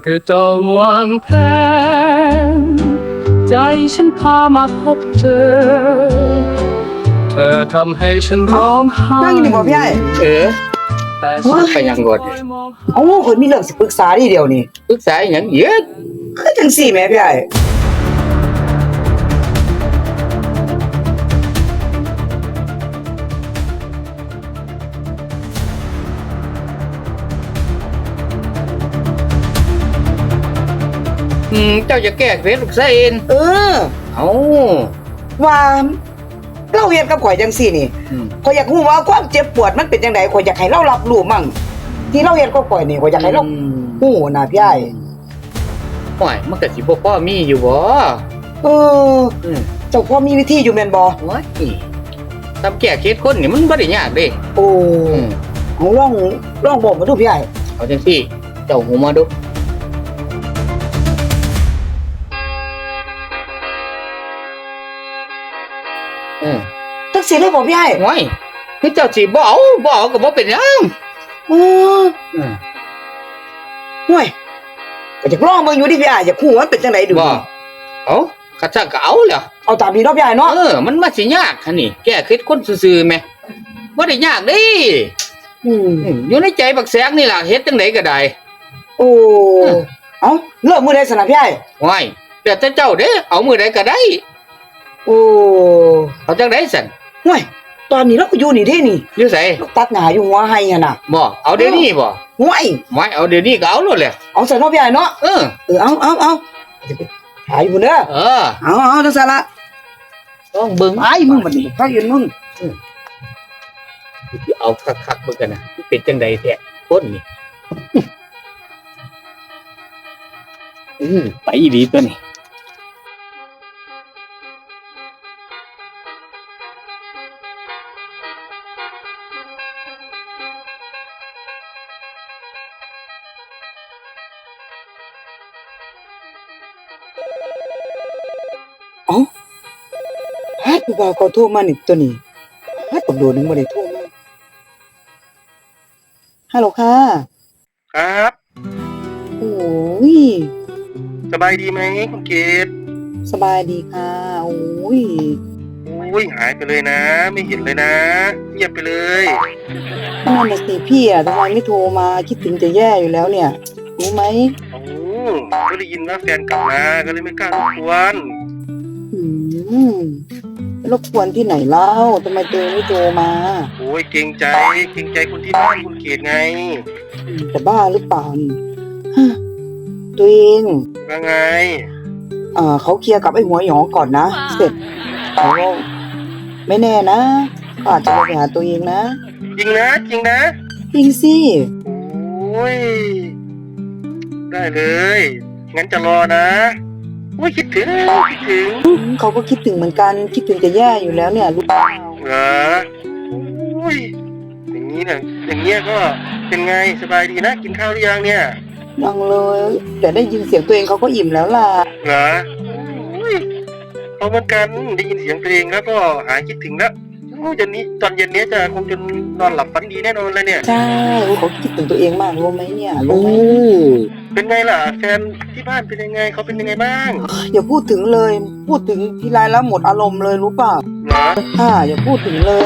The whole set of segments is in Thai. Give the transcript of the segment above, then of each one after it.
ก็ต้องวางแผนใจฉันพามาพบเธอเธอทำให้ฉันร้องไห้นั่งอยู่นี่บ่พี่ไอ้แต่ฉันไปยังกดเอ้าข่อยมีเรื่องสิปรึกษาทีเดียวนี่ปรึกษาอหย่างเยอะคือจังซี่แหมพี่ไอ้เจ้าจะแก้เคล็ดลูกเส้นเออเอาว่าเราเฮ็ดกับข่อยจังซี่นี่อืมข่อยอยากรู้ว่าความเจ็บปวดมันเป็นจังไดข่อยอยากให้เรารับรู้มั่งที่เราเฮ็ดกับข่อยนี่ข่อยอยากให้เราฮู้นะพี่ไอ้ห่วยมันก็สิบ่พอมีอยู่บ่เอออืมเจ้าพ่อมีวิธีอยู่แม่นบ่โอ้ยทำแก้เคล็ดคนนี่มันบ่ได้ยากเด้โอ้อืมเอาลองบอกมาดูพี่ไอ้เอาจังซี่เจ้าหูมาดูอืมจังซี่เลยบ่พี่ไอ้ห่วยคือเจ้าสิบ่เอาก็บ่เป็นหยังเอออืมห่วยก็อยากลองเบิ่งอยู่ดิพี่ไอ้อยากฮู้ว่ามันเป็นจังไดดูบ่เอาข้าจ้างก็เอาแหล้วเอาตามนี้เนาะพี่ไอ้เนาะมันมาสิยากคั่นนี่แก้เคล็ดคนซื่อๆแหมบ่ได้ยากเด้อืมอยู่ในใจบักแสงนี่ล่ะเฮ็ดจังไดก็ได้โอ้เอาเริ่มมื้อใดสนะพี่ไอ้ว้ายแต่เจ้าเด้เอามือใดก็ได้โอ้เอาจังไดสั่นห่วยตอนนี้เราก็อยู่นี่เด้นี่อยู่ไสเราตัดหน้าอยู่หัวไห้หั่นน่ะบ่เอาเดี๋ยวนี้บ่ห่วยไม่เอาเดี๋ยวนี้ก็เอาโลดแหละเอาใส่เนาะพี่ไอ้เนาะเออเอาจะไปหาอยู่เด้อเออเอาจังซั่นละต้องเบิ่งไอ้มึงบัดนี้ถ้าเห็นมึงเอาคักๆเบิ่งกันนะมันเป็นจังไดแท้คนนี่ไปอีหลีตัวนี้ฮัดผู้บ่าวเขาโทรมานี่ตัวนี้ฮัดตำรวจนึงบ่ได้โทรมาฮัลโหลค่ะครับโอ้ยสบายดีไหมคุณเกดสบายดีค่ะโอ้ยอุ้ยหายไปเลยนะ ไม่เห็นเลยนะเงียบไปเลยนั่นน่ะสิพี่อ่ะทำไมไม่โทรมาคิดถึงจะแย่อยู่แล้วเนี่ยรู้ไหมโอ้ก็ได้ยินว่าแฟนกลับมาก็เลยไม่กล้ารบกวนอืมรบกวนที่ไหนเล่าทำไมเธอไม่โทรมาโอ้ยเกรงใจคนที่บ้านคุณเกดไงจะบ้าหรือเปล่านี่ฮะตัวเองว่าไงเขาเคลียร์กับไอ้หัวหยองก่อนนะ เสร็จเขาก็ไม่แน่นะเขาอาจจะมาไปหาตัวเองนะจริงนะจริงนะจริงสิโอ้ยได้เลยงั้นจะรอนะโอ้ยคิดถึงเขาก็คิดถึงเหมือนกันคิดถึงจะแย่อยู่แล้วเนี่ยรู้เปล่าเหรอโอ้ยอย่างนี้นะอย่างเงี้ยก็เป็นไงสบายดีนะกินข้าวหรือยังเนี่ยยังเลยแต่ได้ยินเสียงตัวเองเขาก็อิ่มแล้วล่ะเหรออุ้ยเอาเหมือนกันได้ยินเสียงเพลงแล้วก็หายคิดถึงแล้วโอ้ยตอนเย็นนี้จะคงจะนอนหลับฝันดีแน่นอนเลยเนี่ยใช่เขาคิดถึงตัวเองมากรู้ไหมเนี่ยรู้โอ้ไหมเป็นไงล่ะแฟนที่บ้านเป็นยังไงเขาเป็นยังไงบ้างอย่าพูดถึงเลย พูดถึงทีไรแล้วหมดอารมณ์เลยรู้เปล่าเหรอค่ะอย่าพูดถึงเลย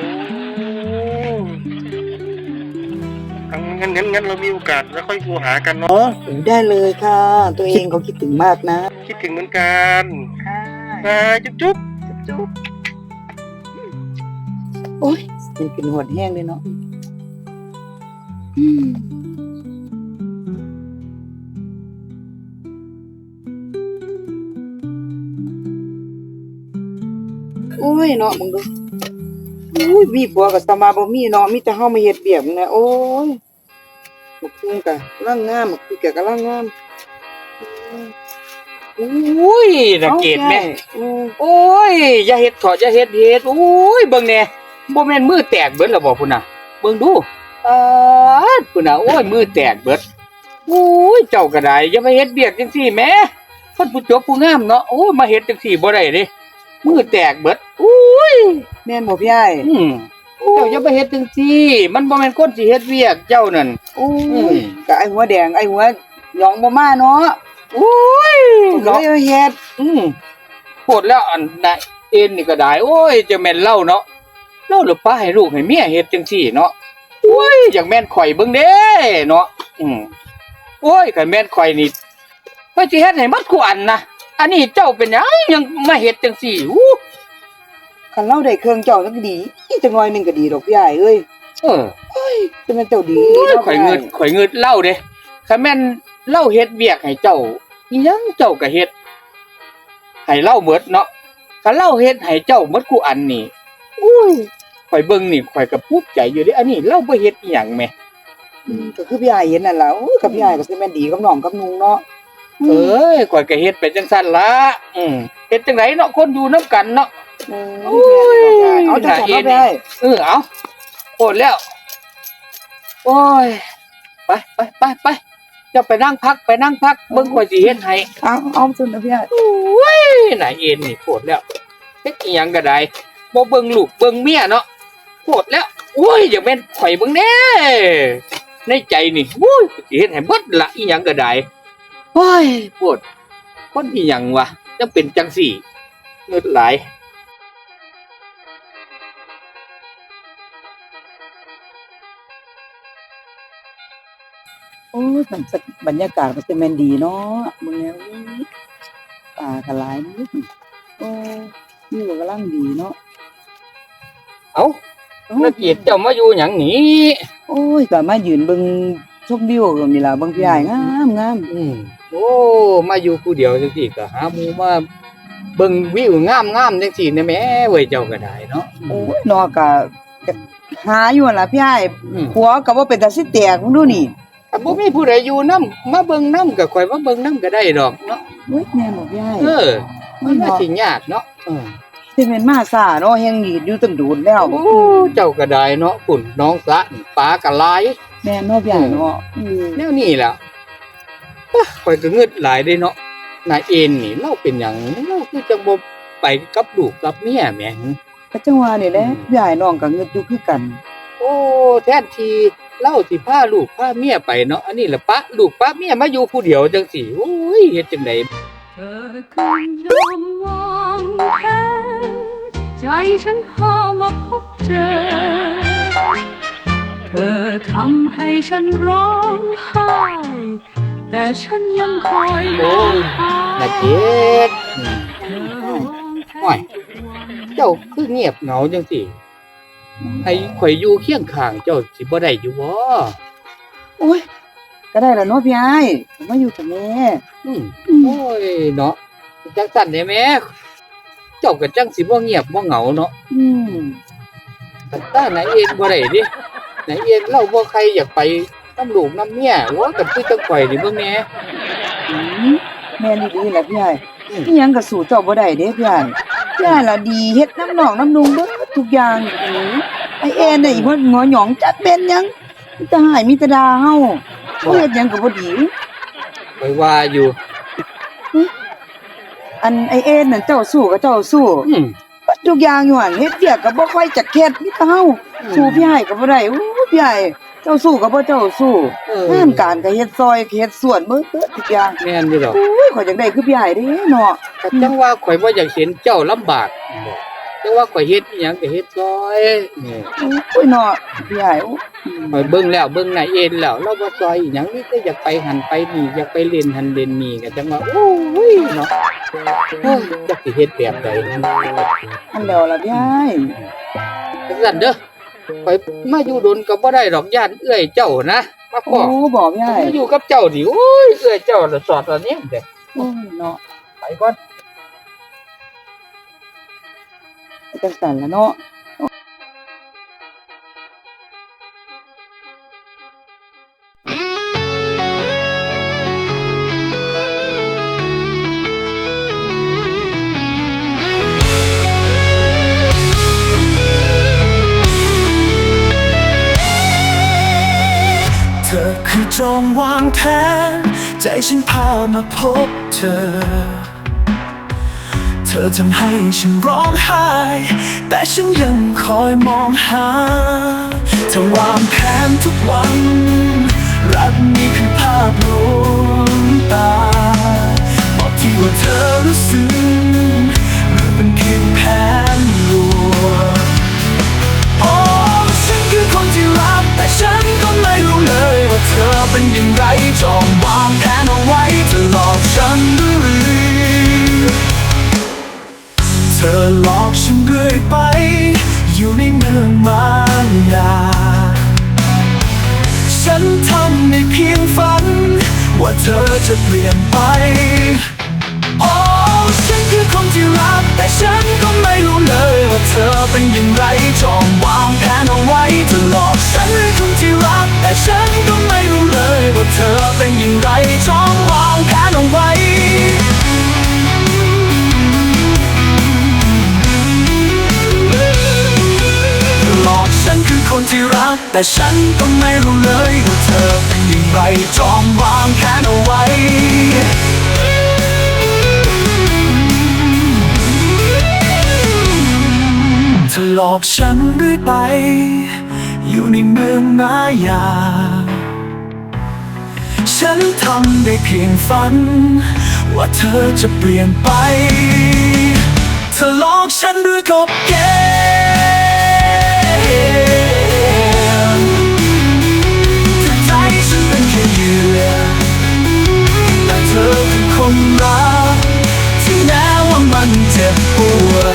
โอ้งั้นเรามีโอกาสแล้วค่อยโทรหากันเนาะได้เลยค่ะ ตัวเองเขาคิดถึงมากนะคิดถึงเหมือนกันค่ะนะจุ๊บจุ๊บโอ้ยมันกินหดแห้งเลยเนาะอืมโอ้ยเนาะมึงดูอุ้ยมีผัวกับสมาบ่มีเนาะมีแต่เฮามาเฮ็ดเบียกนะโอ้ยบักคุ้งกะร่างงามบักคือแกก็ร่างงามอุ้ยน่าเกลียดแม่อืมโอ้ยอย่าเฮ็ดเถอะอย่าเฮ็ดโอ้ยเบิ่งแน่บ่แม่นมือแตกเบิดแล้วบ่พุ่นน่ะเบิ่งดูพุ่นน่ะโอ้ยมือแตกเบิดโอ้ยเจ้าก็ได้อย่ามาเฮ็ดเบียกจังซี่แหมคนผู้จบผู้งามเนาะโอ้ยมาเฮ็ดจังซี่บ่ได้เด้มือแตกเบิดอุ้ยแม่นบ่พี่อ้ายเจ้าอย่าไปเฮ็ดจังซี่มันบ่แม่นคนสิเฮ็ดเวียกเจ้านั่นโอ้อืยมก็ไอ้หัวแดงไอ้หัวหยองบ่มาเนาะอุ้ยก็เนาะเลยเฮ็ดปวดแล้วอันใดเอ็นนี่ก็ได้โอ้ยจะแม่นเล่าเนาะเล่าหรือป้าให้ลูกให้เมียเฮ็ดจังซี่เนาะโอ้ยอย่างแม่นข่อยเบิ่งเด้เนาะโอ้ยคันแม่นข่อยนี่ว่าสิเฮ็ดให้หมดกูอันนะอันนี้เจ้าเป็นหยังยังมาเฮ็ดจังซี่อู้คันเราได้เครื่องเจ้าจักดีอีจักหน่อยหนึงก็ดีดอกพี่อ้ายเอ้ยเออจะแม่นเจ้าดีโอ้ยเนาะข่อยเงิดเล่าเด้คันแม่นเล่าเฮ็ดเวียกให้เจ้าอีหยังเจ้าก็เฮ็ดให้เล่าหมดเนาะคันเล่าเฮ็ดให้เจ้าหมดกูอันนี่อุ้ยข่อยเบิ่งนี่ข่อยก็ภูมิใจอยู่เด้อันนี้เล่าบ่เฮ็ดอีหยังแหมก็คือพี่อ้ายเห็นนั่นล่ะโอ้ยกับพี่อ้ายก็สิแม่นดีกับน้องกับนุงเนาะเอ้ยข่อยก็เฮ็ดไปจังซั่นล่ะเฮ็ดจังไดเนาะคนอยู่นํกันเนาะโอ้ยเอาจังซั่นเนาะพี่อ้ายเอาโคตรแล้วโอ้ยไปเจะไปนั่งพักเบิ่งข่อยสิเฮ็ดให้เอาซุนนะพี่อ้ายโอ้ยนายเอ็นนี่โคตรแล้วเฮ็ดอีหยังก็ได้บ่เบิ่งลูกเบิ่งเมียเนาะโคตรแล้วโอ้ยอย่าแม่นข่อยเบิ่งแน่ในใจนี่โอ้ยสิเฮ็ดให้เบิดละอีหยังก็ได้โอ้ยโคตรคนอีหยังวะจังเป็นจังสี่เงิดหลายโอ้ยบรรยากาศมันสิแม่นดีเนาะเบิ่งแล้วป่าก็หลายมื้อโอ้วิวก็กำลังดีเนาะเอ้านักเกียรติเจ้ามาอยู่หยังนี่โอ้ยก็มายืนเบิ่งชมวิวก็นี่ล่ะเบิ่งพี่อ้ายงามโอ้มาอยู่ผู้เดียวจังซี่ก็หาหมู่มาเบิ่งวิวงามๆจังซี่นะแหม่เว้ยเจ้าก็ได้เนาะโอ้ยเนาะก็หาอยู่นั่นล่ะพี่อ้ายผัวก็บ่เป็นตาสิแตกมึงดูนี่ถ้าบ่มีผู้ใดอยู่นำมาเบิ่งนำก็ค่อยมาเบิ่งนำก็ได้ดอกเนาะโอ้ยแม่นบ่พี่อ้ายมันน่าสิยากเนาะสิแม่นมาซ่าเนาะแฮงดีดอยู่ตั้งโดนแล้วโอ้เจ้าก็ได้เนาะปุ่นน้องสะนี่ปลาก็หลายแม่นเนาะพี่อ้ายเนาะแนวนี้ล่ะข่อยก็งึดหลายเด้เนาะนายเอ็นนี่เราเป็นหยังเราคือจังบ่ไปกับลูกกับเมียแหมก็จังว่านี่แหละพี่อ้ายน้องก็เงิดอยู่คือกันโอ้แทนทีเล่าสิพาลูกพาเมียไปเนาะอันนี้ล่ะปะลูกปะเมียมาอยู่ผู้เดียวจังซี่โอ้ยเฮ็ดจังได๋เธอคือยอมวางแผนใจฉันพามาพบเจอ เธอทำให้ฉันร้องไห้แต่ฉันยังคอยรอหานาเจ็ดเธอวางแผโอ้ยนเจ้าคือเงียบเหงาจังซี่ให้ข่อยอยู่เคียงข้างเจ้าสิบ่ได้อยู่บ่โอ้ยก็ได้แล้วเนาะพี่อ้ายมาอยู่กับแม่โอ้ยเนาะจังซั่นได้แหมเจ้าก็จังสิบ่เงียบบ่เหงาเนาะ แต่ถ้านายเอ็นบ่ได้ดินายเอ็นเราบ่ใครอยากไปน้ำลูกน้ำเมียว่ากันคือจังข่อยนี่เบิ่งแหน่แม่นดีๆแหละพี่อ้ายอีหยังก็สู้เจ้าบ่ได้เด้พี่อ้ายพี่อ้ายล่ะดีเฮ็ดน้ำน้องน้ำนุงเบิดทุกอย่างไอ้แอนน่ะอีบ่งอหยองจักเป็นหยังมีแต่หายมีแต่ด่าเฮาบ่เฮ็ดหยังก็บ่ดีข่อยว่าอยู่อันไอ้แอนนั่นเจ้าสู้ก็เจ้าสู้อืมบัดทุกอย่างอยู่หั่นเฮ็ดเวียกก็บ่ค่อยจักเฮ็ดมีแต่เฮาสู้พี่อ้ายก็บ่ได้โอ้พี่อ้ายเจ้าสู้ก็บ่เจ้าสู้งานการก็เฮ็ดซอยเฮ็ดสวนเบิดทุกอย่างแม่นอยู่ดอกโอ้ยข่อยจังได้คือพี่อ้ายเด้เนาะแต่จังว่าข่อยบ่อยากเห็นเจ้าลำบากจังว่าข่อยเฮ็ดอีหยังก็เฮ็ดซอยนี่โอ้ยเนาะพี่อ้ายโอ้ข่อยเบิ่งแล้วเบิ่งนายเอ็นแล้วเราบ่ซอยอีหยังนี่ก็อยากไปหันไปนี่อยากไปเล่นหันเล่นนี่ก็จังว่าโอ้ยเนาะโอ้ยจักสิเฮ็ดแบบใดอันแล้วล่ะพี่อ้ายจังซั่นเด้อข่อยมาอยู่ดนก็บ่ได้ดอกย่านเอื้อยเจ้านะมาโอ้พ้อบอกพี่อ้ายมาอยู่กับเจ้าดิโอ้ยเอื้อยเจ้าละสอดตอนนี้เด้โอ้ยเนาะไปก่อนจังซั่นล่ะเนาะเธอคือจงวางแผนใจฉันพามาพบเธอ เธอทำให้ฉันร้องไห้แต่ฉันยังคอยมองหาเธอวางแผนทุกวันรักนี้คือภาพรวมตาบอกที่ว่าเธอรู้สึกหรือเป็นเพียงแผนลวงโอ้ฉันคือคนที่รักแต่ฉันก็ไม่รู้เลยว่าเธอเป็นอย่างไรจองวางแผนเอาไว้จะหลอกฉันหรือเธอหลอกฉันเรื่อยไปอยู่ในเมืองมายาฉันทำในเพียงฝันว่าเธอจะเปลี่ยนไปโอ้ฉันคือคนที่รักแต่ฉันก็ไม่รู้เลยว่าเธอเป็นอย่างไรจองวางแผนเอาไว้จะหลอกฉันคือคนที่รักแต่ฉันก็ไม่รู้เลยว่าเธอเป็นอย่างไรจองวางแผนเอาไว้หลอกฉันคือคนที่รักแต่ฉันก็ไม่รู้เลยว่าเธอเป็นอย่างไรจองวางแผนเอาไว้เธอหลอกฉันเรื่อยไปอยู่ในเมืองมายาฉันทำได้เพียงฝันว่าเธอจะเปลี่ยนไปเธอหลอกฉันด้วยกบเกมใจฉันเป็นแค่เหยื่อแต่เธอคือคนรักที่แม้ว่ามันเจ็บปวด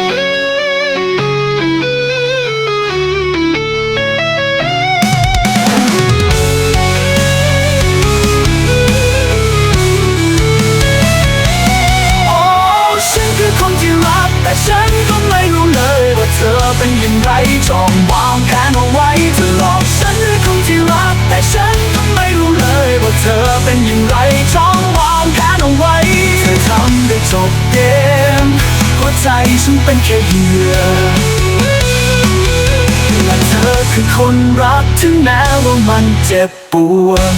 แต่ฉันก็ไม่รู้เลยว่าเธอเป็นอย่างไรจองวางแผนเอาไว้เธอหลอกฉันด้วยคำที่รักแต่ฉันก็ไม่รู้เลยว่าเธอเป็นอย่างไรจองวางแผนเอาไว้เธอทำได้จบเกมหัวใจฉันเป็นแค่เหยื่อและเธอคือคนรักถึงแม้ว่ามันเจ็บปวด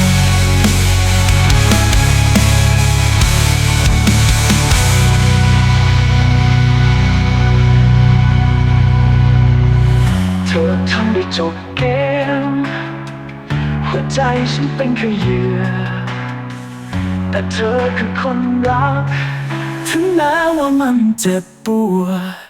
เธอทำได้จบเกมหัวใจฉันเป็นแค่เหยื่อแต่เธอคือคนรักถึงแม้ว่ามันเจ็บปวด